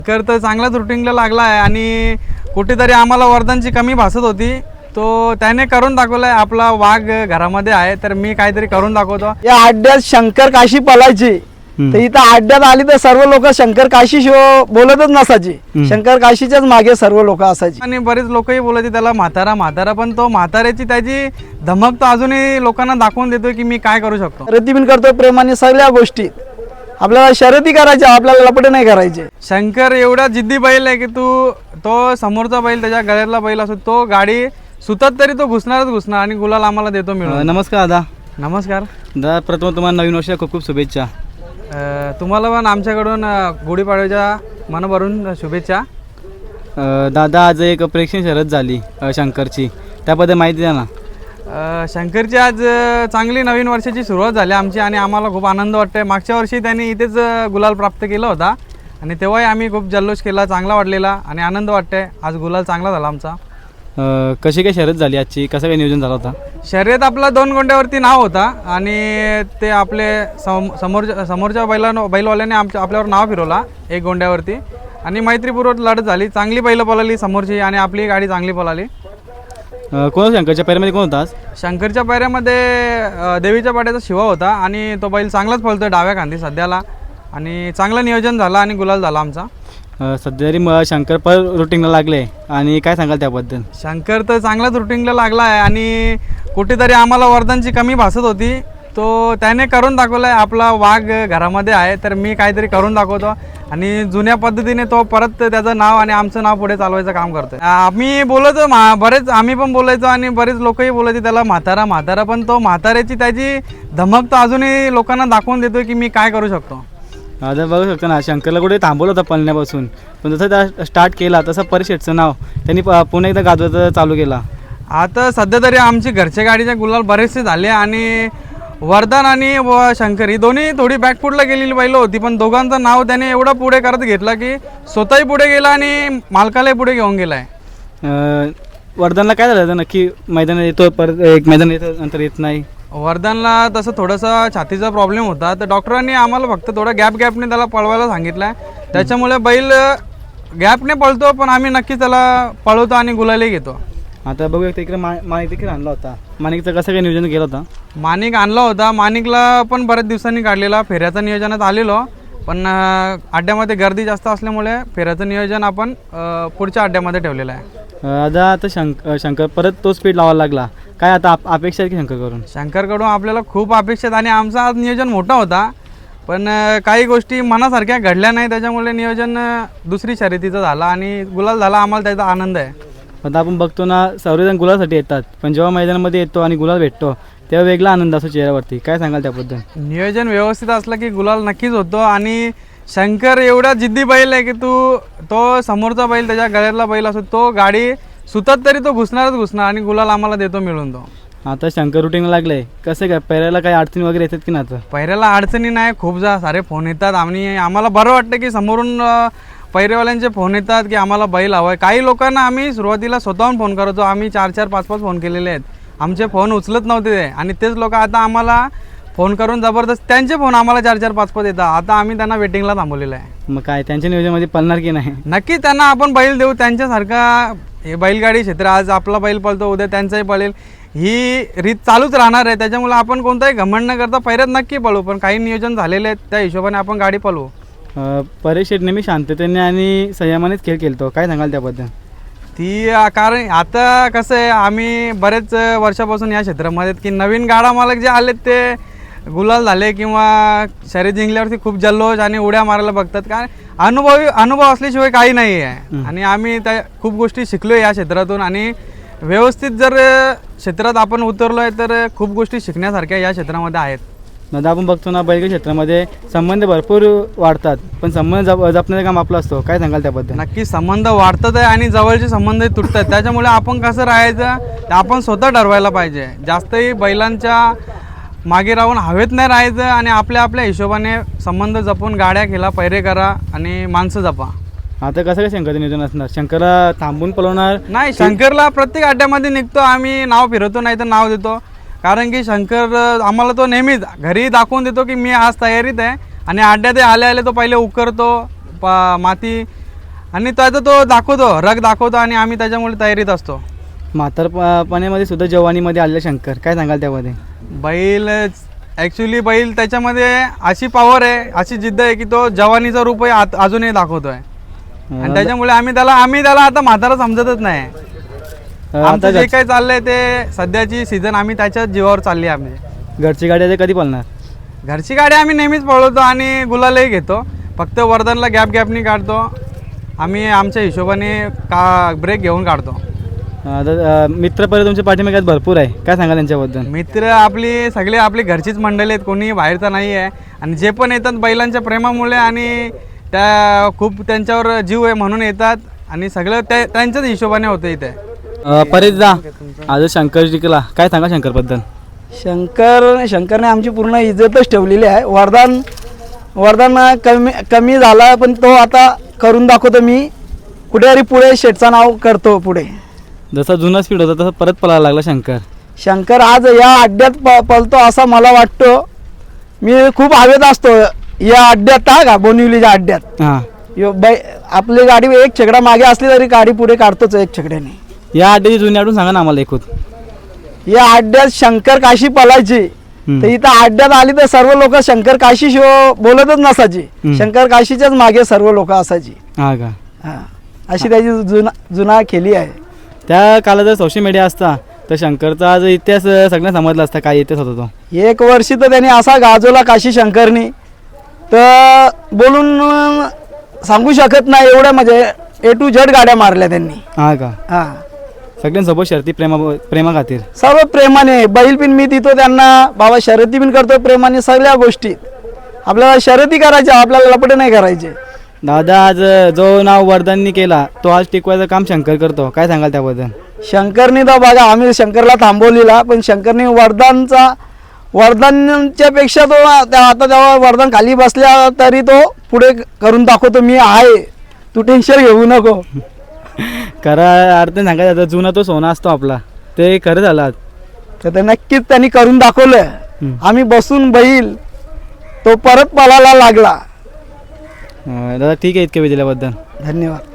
कर तर चांगलाच रुटीनला लागला आहे आणि कुठेतरी आम्हाला वरदानची कमी भासत होती, तो त्याने करून दाखवलाय. आपला वाघ घरामध्ये आहे तर मी काहीतरी करून दाखवतो. या अड्ड्यात शंकर काशी पलायची तर इथं अड्ड्यात आली तर सर्व लोक शंकर काशी शिवाय बोलतच नसायची. शंकर काशीच्याच मागे सर्व लोक असायची आणि बरेच लोकही बोलायचे त्याला म्हातारा म्हातारा, पण तो म्हाताऱ्याची त्याची धमक तो अजूनही लोकांना दाखवून देतोय की मी काय करू शकतो. शर्यती पण करतो प्रेमाने सगळ्या गोष्टी. आपल्याला शर्यती करायच्या, आपल्याला लपडे नाही करायचे. शंकर एवढा जिद्दी बैल आहे की तो समोरचा बैल त्याच्या गळ्यातला बैल असो, तो गाडी सुतात तरी तो घुसणारच घुसणार आणि गुलाल आम्हाला देतो मिळून. नमस्कार दादा. नमस्कार दादा, प्रथम तुम्हाला नवीन वर्षाच्या खूप खूप शुभेच्छा. तुम्हाला पण आमच्याकडून गुढीपाडव्याच्या मनभरून शुभेच्छा. दादा, आज एक प्रेक्षणीय शर्यत झाली शंकरची, त्याबद्दल माहिती द्या ना. शंकरची आज चांगली नवीन वर्षाची सुरुवात झाली आमची आणि आम्हाला खूप आनंद वाटतोय. मागच्या वर्षी त्यांनी इथेच गुलाल प्राप्त केला होता आणि तेव्हाही आम्ही खूप जल्लोष केला, चांगला वाटलेला आणि आनंद वाटतोय. आज गुलाल चांगला झाला आमचा. कशी काय शर्यत झाली आजची, कसं काय नियोजन झालं होता? शर्यत आपला 2 गोंड्यावरती नाव होता आणि ते आपले समोरच्या बैलवाल्याने आपल्यावर नाव फिरवला 1 गोंड्यावरती आणि मैत्रीपूर्वक लढत झाली. चांगली बैलं पळाली समोरची आणि आपली गाडी चांगली पळाली. कोण शंकरच्या पैऱ्यामध्ये कोण होता आज? शंकरच्या पैऱ्यामध्ये देवीच्या पाट्याचा शिवा होता आणि तो बैल चांगलाच पळतोय डाव्या खांदी सध्याला आणि चांगलं नियोजन झालं आणि गुलाल झाला आमचा. सध्या तरी शंकर पर रुटीनला लागले आणि काय सांगाल त्याबद्दल? शंकर तर चांगलाच रुटीनला लागला आहे आणि कुठेतरी आम्हाला वरदानची कमी भासत होती, तो त्याने करून दाखवलाय. आपला वाघ घरामध्ये आहे तर मी काहीतरी करून दाखवतो आणि जुन्या पद्धतीने तो परत त्याचं नाव आणि आमचं नाव पुढे चालवायचं काम करतोय. आम्ही बोलायचो बरेच, आम्ही पण बोलायचो आणि बरेच लोकही बोलायचे त्याला म्हातारा म्हातारा, पण तो म्हाताऱ्याची त्याची धमक तो अजूनही लोकांना दाखवून देतोय की मी काय करू शकतो. आता बघू शकतो ना, शंकरला कुठे थांबवलं होतं पळण्यापासून, पण जसं त्या स्टार्ट केला तसं परिषदचं नाव त्यांनी पुन्हा एकदा गाजवायचं चालू केला. आता सध्या तरी आमची घरच्या गाडीच्या गुलाल बरेचसे झाले आणि वरदान आणि शंकर ही दोन्ही थोडी बॅकफूटला गेलेली बैलं होती, पण दोघांचं नाव त्याने एवढं पुढे करत घेतलं की स्वतःही पुढे गेला आणि मालकालाही पुढे घेऊन गेला आहे. वरदानला काय झालं नक्की? मैदानात येतो, परत एक मैदान येतं नंतर येत नाही. वरदानला तसं थोडासा छातीचा प्रॉब्लेम होता तर डॉक्टरांनी आम्हाला फक्त थोडा गॅपने त्याला पळवायला सांगितलं आहे. त्याच्यामुळे बैल गॅपने पळतो, पण आम्ही नक्की त्याला पळवतो आणि गुलालही घेतो. आता बघू इकडे माणिक देखील आणला होता. माणिकचं कसं काय नियोजन केलं होतं? माणिक आणला होता, माणिकला पण बऱ्याच दिवसांनी काढलेला. फेऱ्याचं नियोजनात आलेलो, पण अड्ड्यामध्ये गर्दी जास्त असल्यामुळे फेऱ्याचं नियोजन आपण पुढच्या अड्ड्यामध्ये ठेवलेलं आहे. आता शंकर परत तो स्पीड लावायला लागला, काय आता अपेक्षा आहे की शंकरकडून आपल्याला खूप अपेक्षा आहेत आणि आमचं आज नियोजन मोठा होता, पण काही गोष्टी मनासारख्या घडल्या नाही, त्याच्यामुळे नियोजन दुसरी शर्यतीचं झालं आणि गुलाल झाला. आम्हाला त्याचा आनंद आहे. आता आपण बघतो ना, सर्वजण गुलासाठी येतात, पण जेव्हा मैदानामध्ये येतो आणि गुलाल भेटतो तेव्हा वेगळा आनंद असतो चेहऱ्यावरती. काय सांगाल त्याबद्दल? नियोजन व्यवस्थित असलं की गुलाल नक्कीच होतो आणि शंकर एवढा जिद्दी बैल आहे की तो समोरचा बैल त्याच्या गळ्यातला बैल असो, तो गाडी सुतात तरी तो घुसणारच घुसणार आणि गुलाल आम्हाला देतो मिळून. तो आता शंकर रुटीनला लागले, कसं काय पैऱ्याला काही अडचणी वगैरे येतात की नाही? पैऱ्याला अडचणी नाही, खूप सारे फोन येतात आणि आम्हाला बरं वाटतं की समोरून पैरेवाल्यांचे फोन येतात की आम्हाला बैल हवा आहे. काही लोकांना आम्ही सुरुवातीला स्वतःहून फोन करतो, आम्ही 4-4, 5-5 फोन केलेले आहेत. आमचे फोन उचलत नव्हते ते आणि तेच लोक आता आम्हाला फोन करून जबरदस्त त्यांचे फोन आम्हाला 4-4, 5-5 येतात. आता आम्ही त्यांना वेटिंगला थांबवलेलं आहे. मग काय त्यांच्या नियोजनामध्ये पळणार की नाही? नक्की त्यांना आपण बैल देऊ. त्यांच्यासारखा हे बैलगाडी क्षेत्र, आज आपला बैल पळतो उद्या त्यांचाही पळेल, ही रीत चालूच राहणार आहे. त्याच्यामुळे आपण कोणताही घमंड न करता पैऱ्यात नक्की पळू, पण काही नियोजन झालेले आहेत त्या हिशोबाने आपण गाडी पळवू. परेश शेठ नेहमी शांततेने आणि संयमानेच खेळ खेळतो, काय सांगाल त्याबद्दल? कारण आता कसं आहे, आम्ही बरेच वर्षापासून या क्षेत्रामध्ये की नवीन गाडा मालक जे आलेत ते गुलाल झाले किंवा शर्यत जिंकल्यावरती खूप जल्लोष आणि उड्या मारायला बघतात. कारण अनुभव असल्याशिवाय काही नाही आहे आणि आम्ही त्या खूप गोष्टी शिकलो या क्षेत्रातून आणि व्यवस्थित जर क्षेत्रात आपण उतरलो आहे तर खूप गोष्टी शिकण्यासारख्या या क्षेत्रामध्ये आहेत. दादा, आपण बघतो ना, बैलगाडी क्षेत्रामध्ये संबंध भरपूर वाढतात, पण संबंध जपण्याचं काम आपलं असतो, काय सांगाल त्याबद्दल? नक्की संबंध वाढतात आहे आणि जवळचे संबंध तुटतात. त्याच्यामुळे आपण कसं राहायचं ते आपण स्वतः ठरवायला पाहिजे. जास्तही बैलांच्या मागे राहून हवेत नाही राहायचं आणि आपल्या हिशोबाने संबंध जपून गाड्या खेळा, पैरे करा आणि माणसं जपा. आता कसं काय शंकरचं नियोजन असणार? शंकरला थांबून पळवणार नाही, शंकरला प्रत्येक अड्ड्यामध्ये निघतो आम्ही, नाव फिरवतो नाही तर नाव देतो. कारण की शंकर आम्हाला तो नेहमीच घरी दाखवून देतो की मी आज तयारीत आहे आणि अड्ड्यात आले तो पहिले उकरतो, माती आणि त्याचा तो दाखवतो, रग दाखवतो आणि आम्ही त्याच्यामुळे तयारीत असतो. म्हातारपणामध्ये सुद्धा जवानीमध्ये आलेला शंकर, काय सांगाल त्यामध्ये? बैल ॲक्च्युली बैल त्याच्यामध्ये अशी पॉवर आहे, अशी जिद्द आहे की तो जवानीचा रूपही अजूनही दाखवतोय. आणि त्याच्यामुळे आम्ही त्याला आता म्हातारा समजतच नाही. आमचं जे काही चाललंय ते सध्याची सीझन आम्ही त्याच्याच जीवावर चालली आहे. आम्ही घरची गाडी आता कधी पळणार? घरची गाडी आम्ही नेहमीच पळवतो आणि गुलालही घेतो. फक्त वर्धनला गॅपनी काढतो आम्ही, आमच्या हिशोबाने ब्रेक घेऊन काढतो. आता मित्रपरिवार तुमच्या पाठीमागे भरपूर आहे, काय सांगाल त्यांच्याबद्दल? मित्र आपली घरचीच मंडळी आहेत, कोणी बाहेरचा नाही आहे. आणि जे पण येतात बैलांच्या प्रेमामुळे आणि त्या खूप त्यांच्यावर जीव आहे म्हणून येतात आणि सगळं त्यांच्याच हिशोबाने होतं इथे. परेशदा, आज शंकर जिंकला, काय सांगा शंकरबद्दल? शंकरने आमची पूर्ण इज्जतच ठेवलेली आहे. वरदान कमी झाला पण तो आता करून दाखवतो. मी कुठेतरी पुढे शेठचं नाव करतो. पुढे जसा जुना स्पीड होता तसा परत पळायला लागला शंकर आज या अड्ड्यात पळतो असं मला वाटतो. मी खूप हवेत असतो या अड्ड्यात, का बोनिवलीच्या अड्ड्यात. हां, आपली गाडी एक छकडा मागे असली तरी गाडी पुढे काढतोच एक छकड्याने. या अड्ड्याची जुनी आठवण सांगा ना आम्हाला एकूण. या अड्ड्यात शंकर काशी पळायची तर इथं अड्ड्यात आली तर सर्व लोक शंकर काशी शिव बोलतच नसायची. शंकर काशीच्याच मागे सर्व लोक असायची. हा का? हा, अशी त्याची जुना खेळी आहे. त्या काळात जर सोशल मीडिया असता तर शंकरचा आज इतिहास सगळ्यांना समजला असता, काय इतिहास होता तो. एक वर्षी तर त्यांनी असा गाजवला काशी शंकरनी तर बोलून सांगू शकत नाही. एवढ्या म्हणजे A to Z गाड्या मारल्या त्यांनी. हा का? हा, सगळ्यांसोबत शर्ती प्रेमा खातीर सर्व प्रेमाने. बैल पण मी देतो त्यांना, बाबा शर्यती पण करतो प्रेमाने. सगळ्या गोष्टी आपल्याला शर्यती करायच्या, आपल्याला लपडे नाही करायचे. दादा, आज जो नाव वर्धननी केला तो आज टिकवायचं काम शंकर करतो, काय सांगाल त्याबद्दल? शंकरनी तर बघा आम्ही शंकरला थांबवलेला, पण शंकरनी वर्धनच्या पेक्षा तो आता जेव्हा वर्धन खाली बसल्या तरी तो पुढे करून दाखवतो. मी आहे, तू टेन्शन घेऊ नको. खरा अर्थ सांगायचं जुना तो सोना असतो आपला, ते खरं झालं आज. तर ते नक्कीच त्यांनी करून दाखवलं. आम्ही बसून बैल तो परत पळायला लागला. दादा ठीक आहे, इतक्या वेळ दिल्याबद्दल धन्यवाद.